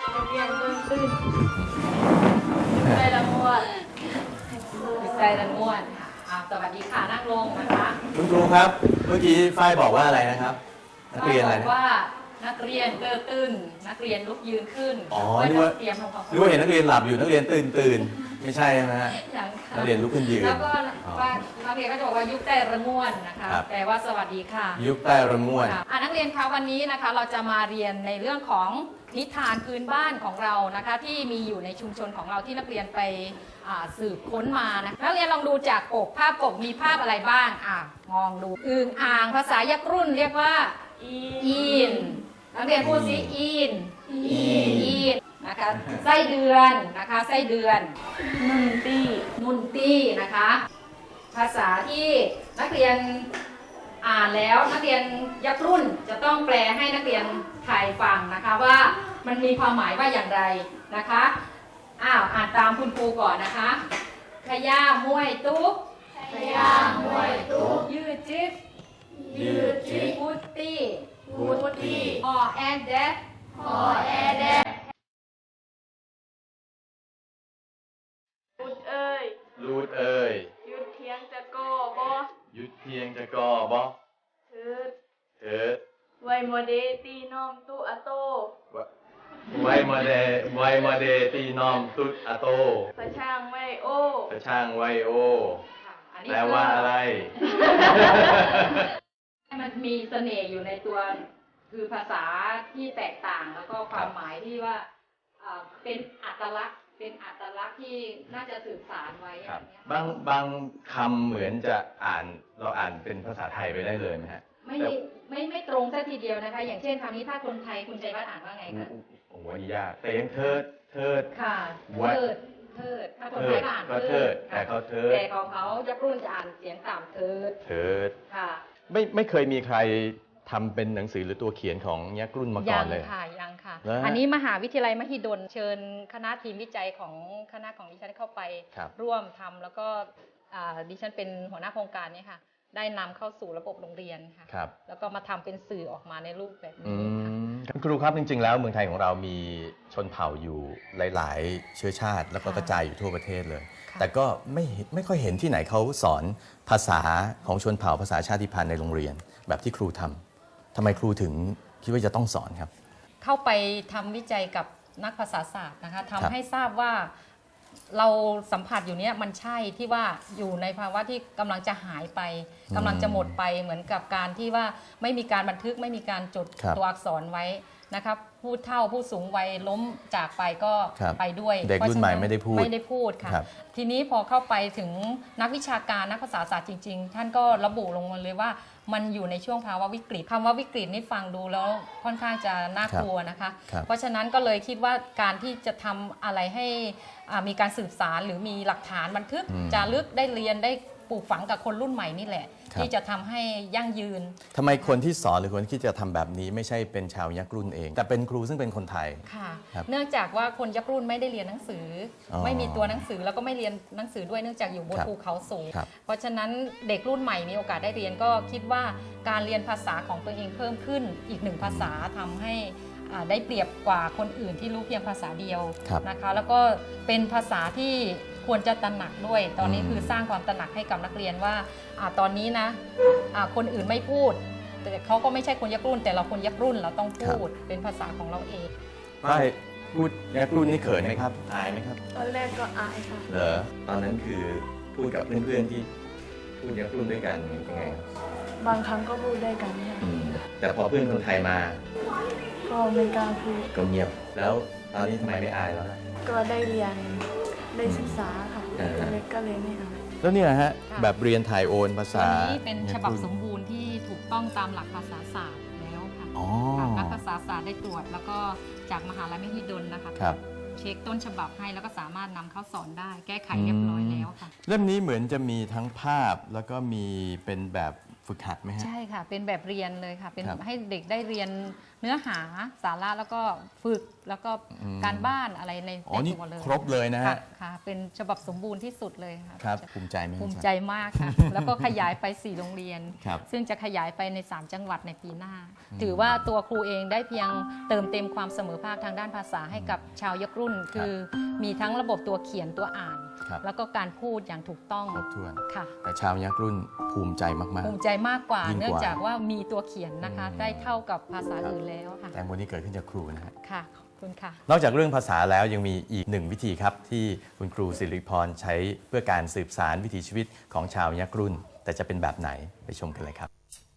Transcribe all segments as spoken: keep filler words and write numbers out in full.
เรียนตื่นตื่นใจละม่วนใจละม่วนค่ะสวัสดีค่ะนั่งลงนะคะคุณครูครับเมื่อกี้ฝ้ายบอกว่าอะไรนะครับนักเรียนอะไรนะว่านักเรียนเกิดตื่นนักเรียนลุกยืนขึ้นอ๋อนึกว่าเตรียมทำความนึกว่าเห็นนักเรียนหลับอยู่นักเรียนตื่นตื่นไม่ใช่ใช่ไหมฮะนักเรียนลุกขึ้นยืนแล้วก็ว่านักเรียนก็จะบอกว่ายุคใต้ระม่วนนะคะแปลว่าสวัสดีค่ะยุคใต้ระม่วนอ่านักเรียนคะวันนี้นะคะเราจะมาเรียนในเรื่องของนิทานพื้นบ้านของเรานะคะที่มีอยู่ในชุมชนของเราที่นักเรียนไปสืบค้นมานะนักเรียนลองดูจากปกภาพปกมีภาพอะไรบ้างอ่ะมองดูอึ่งอ่างภาษายักษ์รุ่นเรียกว่าอีนนักเรียนพูดสิอีนอีนนะคะไส้เดือนนะคะไส้เดือนนุ่นตี้นุ่นตี้นะคะภาษาที่นักเรียนอ่านแล้วนักเรียนยักษ์รุ่นจะต้องแปลให้นักเรียนไทยฟังนะคะว่ามันมีความหมายว่าอย่างไรนะคะอ้าวอ่านตามคุณครูก่อนนะคะขย่ามวยตุ๊กขย่ามวยตุ๊กยืดจิ๊บยืดจิ๊บพุตตี้พุตตี้ออแอดเดดออแอดเดดลูดเอ้ยลูดเอ้ยยุดเทียงจะก่อบ่ยุดเทียงจะก่อบ่เถิดเถิดไวโมเดตีน้อมตุอะโตไวโมเดไวโมเดตีน้อมตุอะโตพระช่างไวโอพระช่างไวโอแปลว่าอะไรมันมีเสน่ห์อยู่ในตัวคือภาษาที่แตกต่างแล้วก็ความหมายที่ว่าเป็นอัตลักษณ์เป็นอัตลักษณ์ที่น่าจะสื่อสารไว้บางบางคำเหมือนจะอ่านเราอ่านเป็นภาษาไทยไปได้เลยไหมฮะไม่ไม่ไม่ตรงซะทีเดียวนะคะอย่างเช่นคำนี้ถ้าคนไทยคุณใจวัฒน์อ่านว่าไงคะโอ้ยยากแต่ยังเทิดเทิดค่ะเทิดเทิดถ้าคนไทยอ่านก็เทิดแต่เขาเทิดแต่ของเขายักษ์รุ่นจะอ่านเสียงต่ำเทิดเทิดค่ะไม่ไม่เคยมีใครทำเป็นหนังสือหรือตัวเขียนของยักษ์รุ่นมาก่อนเลยยังค่ะยังค่ะอันนี้มหาวิทยาลัยมหิดลเชิญคณะทีมวิจัยของคณะของดิฉันเข้าไปร่วมทำแล้วก็ดิฉันเป็นหัวหน้าโครงการนี้ค่ะได้นำเข้าสู่ระบบโรงเรียนค่ะแล้วก็มาทำเป็นสื่อออกมาในรูปแบบนี้ค่ะครูครับจริงๆแล้วเมืองไทยของเรามีชนเผ่าอยู่หลายๆเชื้อชาติแล้วก็กระจายอยู่ทั่วประเทศเลยแต่ก็ไม่ไม่ค่อยเห็นที่ไหนเขาสอนภาษาของชนเผ่าภาษาชาติพันธุ์ในโรงเรียนแบบที่ครูทำทำไมครูถึงคิดว่าจะต้องสอนครับเข้าไปทำวิจัยกับนักภาษาศาสตร์นะคะทำให้ทราบว่าเราสัมผัสอยู่เนี้ยมันใช่ที่ว่าอยู่ในภาวะที่กำลังจะหายไปกำลังจะหมดไปเหมือนกับการที่ว่าไม่มีการบันทึกไม่มีการจดตัวอักษรไว้นะครับผู้เฒ่าผู้สูงวัยล้มจากไปก็ไปด้วยเด็กรุ่นใหม่ไม่ได้พูดไม่ได้พูดค่ะทีนี้พอเข้าไปถึงนักวิชาการนักภาษาศาสตร์จริงๆท่านก็ระบุลงมาเลยว่ามันอยู่ในช่วงภาวะวิกฤตคำว่าวิกฤตนี่ฟังดูแล้วค่อนข้างจะน่ากลัวนะคะเพราะฉะนั้นก็เลยคิดว่าการที่จะทำอะไรให้มีการสืบสารหรือมีหลักฐานบันทึกจารึกได้เรียนได้ปลูกฝังกับคนรุ่นใหม่นี่แหละที่จะทำให้ยั่งยืนทำไมคนที่สอนหรือคนที่จะทำแบบนี้ไม่ใช่เป็นชาวยักษ์รุ่นเองแต่เป็นครูซึ่งเป็นคนไทยค่ะเนื่องจากว่าคนยักษ์รุ่นไม่ได้เรียนหนังสือไม่มีตัวหนังสือแล้วก็ไม่เรียนหนังสือด้วยเนื่องจากอยู่บนภูเขาสูงเพราะฉะนั้นเด็กรุ่นใหม่มีโอกาสได้เรียนก็คิดว่าการเรียนภาษาของตัวเองเพิ่มขึ้นอีกหนึ่งภาษาทำให้ได้เปรียบกว่าคนอื่นที่รู้เพียงภาษาเดียวนะคะแล้วก็เป็นภาษาที่ควรจะตระหนักด้วยตอนนี้คือสร้างความตระหนักให้กับนักเรียนว่าตอนนี้นะคนอื่นไม่พูดแต่เขาก็ไม่ใช่คนยักษ์รุ่นแต่เราคนยักษ์รุ่นเราต้องพูดเป็นภาษาของเราเองไม่พูดยักษ์รุ่นนี่เขินไหมครับอายไหมครับตอนแรกก็อายค่ะเหรอตอนนั้นคือพูดกับเพื่อนๆที่พูดยักษ์รุ่นด้วยกันยังไงบางครั้งก็พูดได้กันค่ะแต่พอเพื่อนคนไทยมาก็ไม่กล้าพูดก็เงียบแล้วตอนนี้ทำไมไม่อายแล้วก็ได้เรียนได้ศึกษาค่ะเล็กก็เลยไม่อายแล้วเนี่ยฮะแบบเรียนถ่ายโอนภาษานี้เป็นฉบับสมบูรณ์ที่ถูกต้องตามหลักภาษาศาสตร์แล้วค่ะนักภาษาศาสตร์ได้ตรวจแล้วก็จากมหาลัยมหิดลนะคะเช็คต้นฉบับให้แล้วก็สามารถนำเข้าสอนได้แก้ไขเรียบร้อยแล้วค่ะเล่มนี้เหมือนจะมีทั้งภาพแล้วก็มีเป็นแบบฝึกหัดไหมฮะใช่ค่ะเป็นแบบเรียนเลยค่ะเป็นครับให้เด็กได้เรียนเนื้อหาสาระแล้วก็ฝึกแล้วก็อืมการบ้านอะไรในอ๋อในนี่ตัวเลยครบเลยนะฮะค่ะค่ะเป็นฉบับสมบูรณ์ที่สุดเลยค่ะครับภูมิใจไหมภูมิใจมากค่ะ แล้วก็ขยายไปสี่โรงเรียนครับซึ่งจะขยายไปในสามจังหวัดในปีหน้า ถือว่าตัวครูเองได้เพียงเติมเต็มความเสมอภาคทางด้านภาษาให้กับชาวยักษ์รุ่น คือมีทั้งระบบตัวเขียนตัวอ่านครับแล้วก็การพูดอย่างถูกต้องครบถ้วนค่ะแต่ชาวยักษ์รุ่นภูมิใจมากภูมิใจมากกว่ายิ่งกว่าเนื่องจากว่ามีตัวเขียนนะคะอืมได้เท่ากับภาษาอื่นแล้วค่ะๆ แต่วันนี้เกิดขึ้นจากครูนะฮะค่ะขอบคุณค่ะนอกจากเรื่องภาษาแล้วยังมีอีกหนึ่งวิธีครับ ที่คุณครูสิริพรใช้เพื่อการสืบสารวิถีชีวิตของชาวยักษ์รุ่น แต่จะเป็นแบบไหนไปชมกันเลยครับ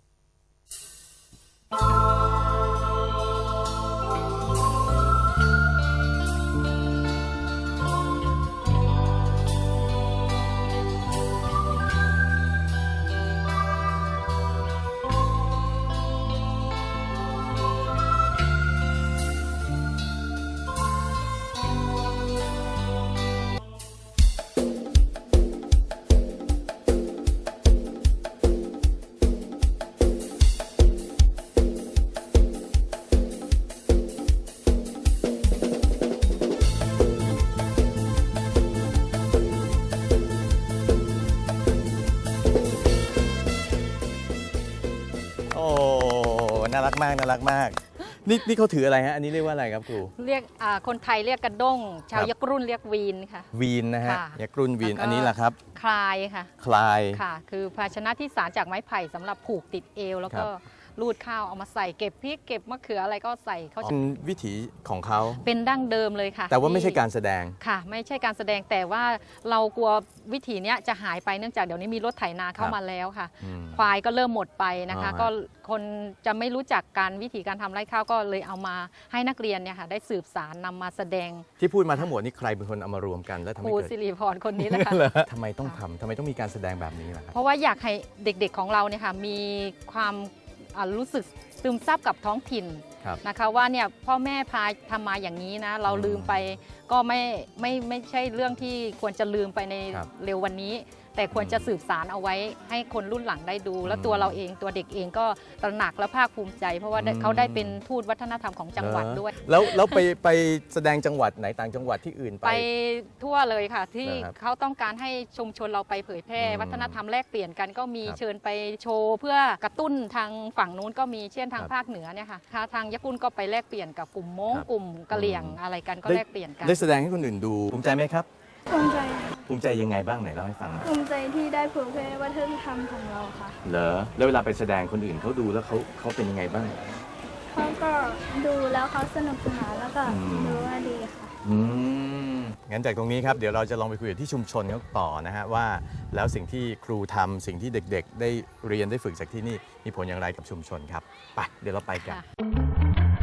โอ้ น่ารักมาก น่ารักมาก นี่นี่เขาถืออะไรฮะ อันนี้เรียกว่าอะไรครับครูเรียกอ่าคนไทยเรียกกระด้ง ชาวครับยักษ์รุ่นเรียกวีนค่ะวีนนะฮะค่ะยักษ์รุ่นวีนแล้วก็อันนี้แหละครับคลายค่ะคลายค่ะ คือภาชนะที่สารจากไม้ไผ่สำหรับผูกติดเอว แล้วก็ครับรูดข้าวเอามาใส่เก็บพริกเก็บมะเขืออะไรก็ใส่เขาเป็นวิถีของเขาเป็นดั้งเดิมเลยค่ะแต่ว่าไม่ใช่ที่การแสดงค่ะ ไม่ใช่การแสดงแต่ว่าเรากลัววิถีเนี้ยจะหายไปเนื่องจากเดี๋ยวนี้มีรถไถนาเข้าครับมาแล้วค่ะอืมควายก็เริ่มหมดไปนะคะอ่าฮะก็คนจะไม่รู้จักการวิธีการทำไร่ข้าวก็เลยเอามาให้นักเรียนเนี่ยค่ะได้สืบสารนำมาแสดงที่พูดมาทั้งหมดนี่ใครเป็นคนเอามารวมกันแล้วทำคให้รูเกิดสิริพรคนนี้แหละค่ะเหรอทำไมต้องทำทำไมต้องมีการแสดงแบบนี้ล่ะครับเพราะว่าอยากให้เด็กๆของเราเนี่ยค่ะมีความอ่ารู้สึกซึมซับกับท้องถิ่นครับนะคะว่าเนี่ยพ่อแม่พาทำมาอย่างนี้นะ เราลืมไปก็ไม่ไม่ไม่ใช่เรื่องที่ควรจะลืมไปในครับเร็ววันนี้ แต่ควรจะสืบสารเอาไว้ให้คนรุ่นหลังได้ดู แล้วตัวเราเองตัวเด็กเองก็ตระหนักและภาคภูมิใจ เพราะว่าได้อืมเขาได้เป็นทูตวัฒนธรรมของจังหวัดด้วยแล้วแล้วไปไปแสดงจังหวัดไหนต่างจังหวัดที่อื่นไปไปทั่วเลยค่ะ ที่เหรอครับเขาต้องการให้ชุมชนเราไปเผยแพร่อืมวัฒนธรรมแลกเปลี่ยนกันก็มีครับเชิญไปโชว์เพื่อกระตุ้นทางฝั่งนู้นก็มีเช่นทางครับภาคเหนือเนี่ยค่ะทางญี่ปุ่นก็ไปแลกเปลี่ยนกับกลุ่มม้งครับกลุ่มกะเหรี่ยงอืมอะไรกันก็ได้แลกเปลี่ยนกันได้แสดงให้คนอื่นดูภูมิใจไหมครับภูมิใจภูมิใจยังไงบ้างไหนเล่าให้ฟังหน่อยภูมิใจที่ได้เผยแพร่วัฒนธรรมของเราค่ะเหรอแล้วเวลาไปแสดงคนอื่นเขาดูแล้วเขาเขาเป็นยังไงบ้างเขาก็ดูแล้วเขาสนุกสนานแล้วก็อืมดูว่าดีค่ะอืมงั้นจากตรงนี้ครับเดี๋ยวเราจะลองไปคุยกับที่ชุมชนเขาต่อนะฮะว่าแล้วสิ่งที่ครูทำสิ่งที่เด็กๆ ได้เรียนได้ฝึกจากที่นี่มีผลอย่างไรกับชุมชนครับไปเดี๋ยวเราไปกันค่ะ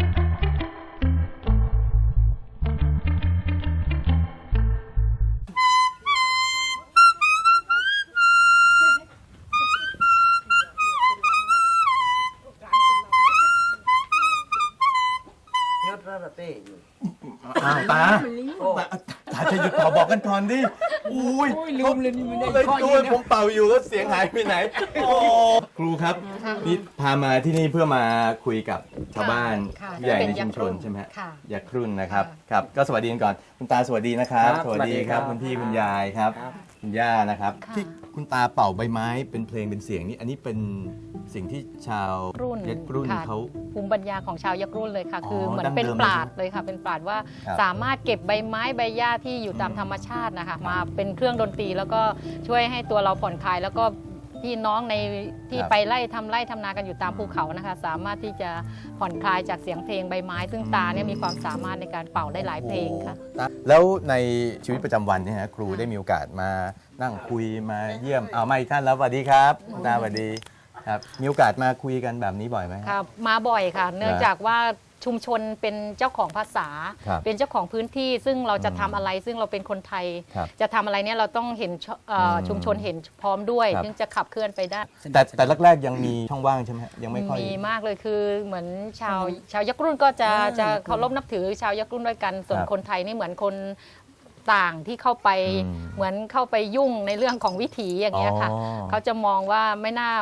ยอดระดับเต้อยู่อ้าวตาตาตาจะหยุดเป่าบอกกันก่อนดิอุ้ยโอ้ยลืมเลยนี่ไม่ได้เลยข้อตันี้วนะผมเป่าอยู่แล้วเสียงหายไปไหนโอ้ครูครับนี่พามาที่นี่เพื่อมาคุยกับชาวบ้านค่ะผู้ใหญ่ในเป็นยัชุกมษ์ชรุ่นนใช่ไหมฮะค่ะยักษ์รุ่นนะครับค่ะครับก็สวัสดีกันก่อนคุณตาสวัสดีนะครับครับสวัสดีครับสวัสดีครับคุณพี่คุณยายครับครับคุณย่านะครับค่ะที่คุณตาเป่าใบไม้เป็นเพลงเป็นเสียงนี่อันนี้เป็นสิ่งที่ชาวรุ่นยักษ์รุ่นค่ะเขาภูมิปัญญาของชาวยักษ์รุ่นเลยค่ะอ๋อคือเหมือนดั้งเป็นเดิมปราดเลยค่ะ เป็นปราดว่าครับสามารถเก็บใบไม้ใบหญ้าที่อยู่ตามอืมธรรมชาตินะคะมาเป็นเครื่องดนตรีแล้วก็ช่วยให้ตัวเราผ่อนคลาย แล้วก็พี่น้องในที่ครับไปไล่ทำไร่ทำนากันอยู่ตามภูเขานะคะ สามารถที่จะผ่อนคลายจากเสียงเพลงใบไม้ ซึ่งตาเนี่ยมีความสามารถในการเป่าได้หลายเพลงค่ะโอ้แล้วในชีวิตประจำวันเนี่ยนะครูค่ะได้มีโอกาสมานั่งคุยมาเยี่ยมเอามาอีกท่านแล้วสวัสดีครับคุณตาสวัสดีครับมีโอกาสมาคุยกันแบบนี้บ่อยไหมค่ะมาบ่อยค่ะ เนื่องจากว่าชุมชนเป็นเจ้าของภาษาครับเป็นเจ้าของพื้นที่ ซึ่งเราจะอืมทำอะไร ซึ่งเราเป็นคนไทยครับจะทำอะไรเนี่ยเราต้องเห็นชเอ่ออมชุมชนเห็นพร้อมด้วยครับถึงจะขับเคลื่อนไปได้แต่แต่แรกๆยังมีช่องว่างใช่ไหมฮะยังไม่ค่อยมีมากเลยคือเหมือนชาวชาวยักษ์รุ่นก็จะอ่าจะเคารพนับถือชาวยักษ์รุ่นด้วยกัน ส่วนครับคนไทยนี่เหมือนคนต่างที่เข้าไปอืมเหมือนเข้าไปยุ่งในเรื่องของวิถีอย่างเงี้ยค่ะอ๋อเขาจะมองว่าไม่น่า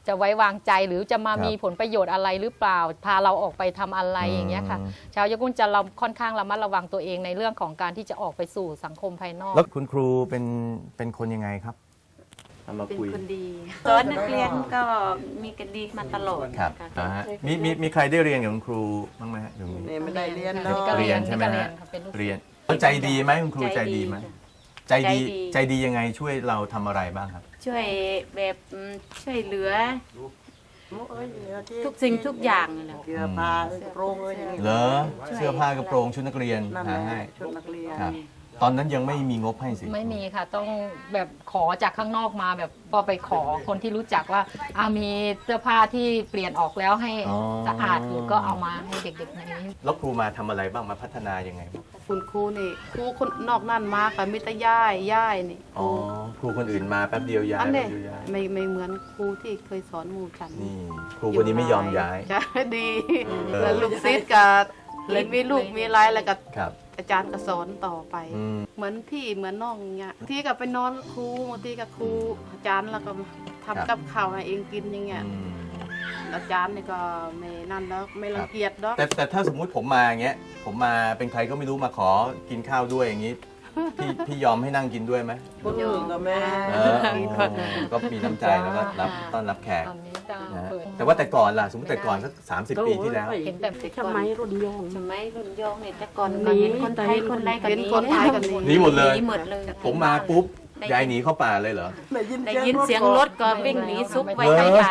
จะไว้วางใจหรือจะมาครับมีผลประโยชน์อะไรหรือเปล่าพาเราออกไปทำอะไรอย่างเงี้ยค่ะอืมชาวยกุลจะเราค่อนข้างระมัดระวังตัวเองในเรื่องของการที่จะออกไปสู่สังคมภายนอกแล้วคุณครูเป็นเป็นคนยังไงครับเอามาเป็นคุยคนดีสอนนักเรียนก็มีกันดีมาตลอดครับค่ะอ่าฮะมีมีมีใครได้เรียนกับคุณครูบ้างไหมฮะอยู่ตรงนี้เนี่ยไม่ได้เรียนค่ะเนาะก็เรียนใช่ไหมก็เรียฮะนค่ะเป็นลูกศิษย์เรียนแล้วใจดีไหมคุณครูใจดีไหมใจดีใจดีใจดียังไงช่วยเราทำอะไรบ้างครับช่วยแบบอืมช่วยเหลือโอ้ยเดี๋ยวที่ทุกสิ่งทุกอย่างนั่นแหละเสื้อผ้าเอ้ยกระโปรงเอ้ยอย่างนี้เหรอเสื้อผ้ากระโปรงชุดนักเรียนนั่นแหหาละให้ชุดนักเรียนครับ ตอนนั้นยังไม่มีงบให้สิไม่มีค่ะต้องแบบขอจากข้างนอกมาแบบพอไปขอคนที่รู้จักว่าอามีเสื้อผ้าที่เปลี่ยนออกแล้วให้อ๋อสะอาดอยู่ก็เอามาให้เด็กๆในนี้แล้วครูมาทำอะไรบ้างมาพัฒนายังไงบ้างคุณครูนี่ครูคนนอกนั่นมาค่ะมิตรย่ายย่ายนี่คอ๋อรูครูคนอื่นมาแป๊บเดียวย้ายอันแป๊นี้บเดียวย้ายไม่ไม่เหมือนครูที่เคยสอนหมู่ฉันนี่ครูคนนี้ไม่ยอมย้ายใช่ดีเออแล้วลูกศิษย์กับเลยมีลูกมีหลายแล้วก็ครับอาจารย์ก็สอนต่อไปอืมเหมือนพี่เหมือนน้องเงี้ยที่กับไปนอนครูบางทีกับครูอาจารย์แล้วก็ทำกับข้าวให้เองกินอย่างเงี้ยอืมอาจารย์นี่ก็ไม่นั่นแล้วไม่รังเกียจดอกแต่แต่ถ้าสมมุติผมมาอย่างเงี้ย ผมมาเป็นใครก็ไม่รู้มาขอกินข้าวด้วยอย่างงี้ พี่พี่ยอมให้นั่งกินด้วยไหมคนอื่นก็แม่เออก็มีน้ำใจแล้วก็รับต้อนรับแขกตอนนี้จะนะฮะเปิดแต่ว่าแต่ก่อนล่ะ สมมติแต่ก่อนสักสามสิบปีที่แล้วเห็นแต่แต่ทำไมรุ่นโยงสมัยรุ่นโยงเนี่ยแต่ก่อนหนีเห็นคนไทยคนใดก็เห็นหนีคนไทยก็หนีหนีหมดเลยหนีหมดเลยผมมาปุ๊บยายหนีเข้าป่าเลยเหรอได้ยินเสียงรถก็วิ่งหนีซุกไว้เหรอใต้ป่าร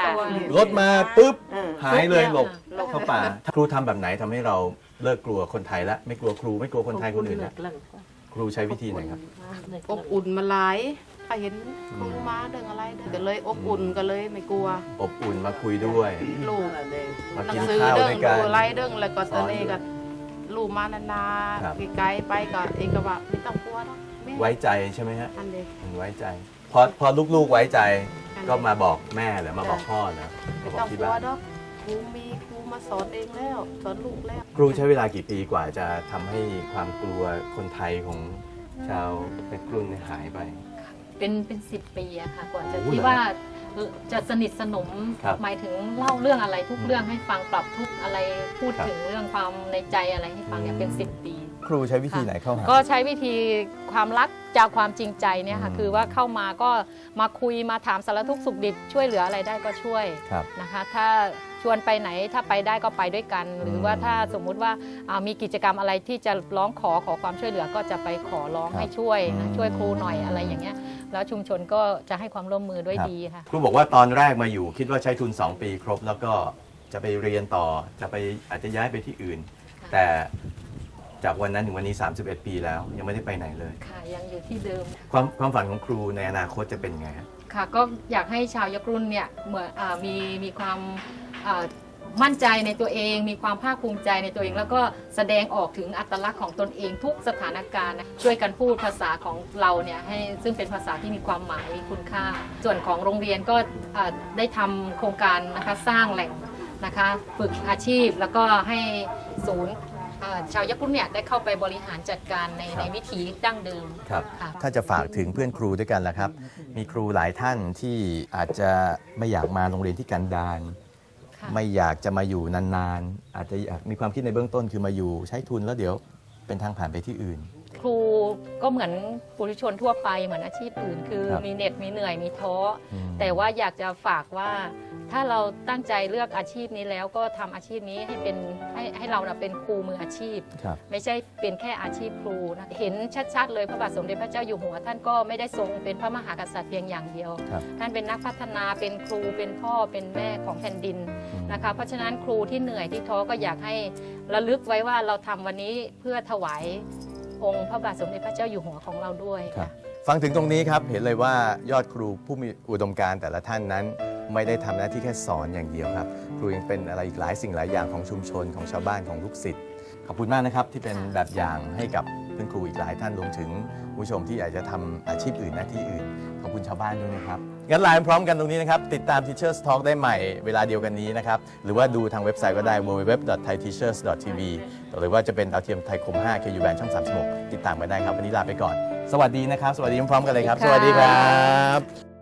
ถมาปุ๊บเออหายเลยหลบเข้าป่าครูทำแบบไหนทำให้เราเลิกกลัวคนไทยละไม่กลัวครูไม่กลัวคนไทยคนอื่นละครูใช้วิธีไหนครับอบอุ่นมาหลายถ้าเห็นครูมาเรื่องอะไรเด้อก็เลยอบอุ่นก็เลยไม่กลัวอบอุ่นมาคุยด้วยลูกมาหนักิงนสือข้าวเรื่องด้วยกันดูอะไรเรื่องแล้วก็ตอนนี้ก็ลูกมานานครับๆไกลๆไปก็เองก็ว่าไม่ต้องกลัวหรอกแม่ไว้ใจใช่ไหมฮะอันเดียวมันไว้ใจ พอพอลูกๆไว้ใจก็มาบอกแม่หรือมาบอกพ่อเหรอไม่มาบอต้อก งที่กลัวบ้านดอกครูมีครูมาสอนเองแล้วสอนลูกแล้วครูใช้เวลากี่ปีกว่าจะทำให้ความกลัวคนไทยของชาวเพชรกรุงเนี่ยหายไปเป็นเป็นสิบปีอะค่ะกว่าจะโอ้โหที่ว่าจะสนิทสนมครับหมายถึงเล่าเรื่องอะไรทุกเรื่องให้ฟังปรับทุกอะไรพูดครับถึงเรื่องความในใจอะไรให้ฟังเนี่ยเป็นสิบปีครูใช้วิธีไหนเข้าหาก็ใช้วิธีความรักจากความจริงใจเนี่ยค่ะอืมคือว่าเข้ามาก็มาคุยมาถามสารทุกข์สุขดิบช่วยเหลืออะไรได้ก็ช่วยครับนะคะ ถ้าชวนไปไหนถ้าไปได้ก็ไปด้วยกัน หรือว่าถ้าสมมุติว่าอ่ามีกิจกรรมอะไรที่จะร้องขอขอความช่วยเหลือก็จะไปขอร้องครับให้ช่วยนะอืมช่วยครูหน่อยอะไรอย่างเงี้ยแล้วชุมชนก็จะให้ความร่วมมือด้วยครับดีค่ะครูบอกว่าตอนแรกมาอยู่คิดว่าใช้ทุน สอง ปีครบ แล้วก็จะไปเรียนต่อจะไปอาจจะย้ายไปที่อื่นค่ะแต่จากวันนั้นถึงวันนี้ สามสิบเอ็ด ปีแล้ว ยังไม่ได้ไปไหนเลยค่ะยังอยู่ที่เดิมความความฝันของครูในอนาคตจะเป็นยังไงฮะค่ะก็อยากให้ชาวยักษ์รุ่นเนี่ยเหมือนอามีมีความอ่ามั่นใจในตัวเอง มีความภาคภูมิใจในตัวเอง แล้วก็แสดงออกถึงอัตลักษณ์ของตนเองทุกสถานการณ์นะช่วยกันพูดภาษาของเราเนี่ยให้ซึ่งเป็นภาษาที่มีความหมายมีคุณค่า ส่วนของโรงเรียนก็อ่าได้ทำโครงการนะคะสร้างแหล่งนะคะฝึกอาชีพแล้วก็ให้ศูนย์อ่าชาวยักษ์รุ่นเนี่ยได้เข้าไปบริหารจัดการในครับในวิถีดั้งเดิมครับค่ะถ้าจะฝากถึงเพื่อนครูด้วยกันล่ะครับ มีครูหลายท่านที่อาจจะไม่อยากมาโรงเรียนที่กันดารค่ะไม่อยากจะมาอยู่นานๆ อาจจะอยากมีความคิดในเบื้องต้นคือมาอยู่ใช้ทุนแล้วเดี๋ยวเป็นทางผ่านไปที่อื่นครูก็เหมือนปุถุชนทั่วไปเหมือนอาชีพอื่น คือครับมีเหน็ดมีเหนื่อยมีท้ออมแต่ว่าอยากจะฝากว่าถ้าเราตั้งใจเลือกอาชีพนี้แล้วก็ทำอาชีพนี้ให้เป็นให้ให้เรานะเป็นครูมืออาชีพครับไม่ใช่เป็นแค่อาชีพครูนะเห็นชัดๆ เลยพระบาทสมเด็จพระเจ้าอยู่หัว ท่านก็ไม่ได้ทรงเป็นพระมหากษัตริย์เพียงอย่างเดียวครับท่านเป็นนักพัฒนาเป็นครูเป็นพ่อเป็นแม่ของแผ่นดินอืมนะคะเพราะฉะนั้นครูที่เหนื่อยที่ท้อก็อยากให้ระลึกไว้ว่าเราทำวันนี้เพื่อถวายองค์พระบาทสมเด็จพระเจ้าอยู่หัวของเราด้วยครับค่ะฟังถึงตรงนี้ครับ เห็นเลยว่ายอดครูผู้มีอุดมการณ์แต่ละท่านนั้น ไม่ได้ทำหน้าที่แค่สอนอย่างเดียวครับ ครูยังเป็นอะไรอีกหลายสิ่งหลายอย่างของชุมชนของชาวบ้านของลูกศิษย์ขอบคุณมากนะครับที่เป็นแบบอย่างให้กับเพื่อนครูอีกหลายท่านรวมถึงผู้ชมที่อยากจะทำอาชีพอื่นหน้าที่อื่นขอบคุณชาวบ้านด้วยนะครับงั้นไลน์พร้อมกันตรงนี้นะครับติดตาม Teachers Talk ได้ใหม่เวลาเดียวกันนี้นะครับหรือว่าดูทางเว็บไซต์ก็ได้ ดับเบิลยู ดับเบิลยู ดับเบิลยู ดอท ไทยทีเชอร์ส ดอท ที วี หรือว่าจะเป็นดาวเทียมไทยคม ห้า เค ยู แบนช่องสามสิบหกติดตามกันได้ครับวันนี้ลาไปก่อน สวัสดีนะครับ สวัสดีพร้อมๆกันเลยครับ สวัสดีครับ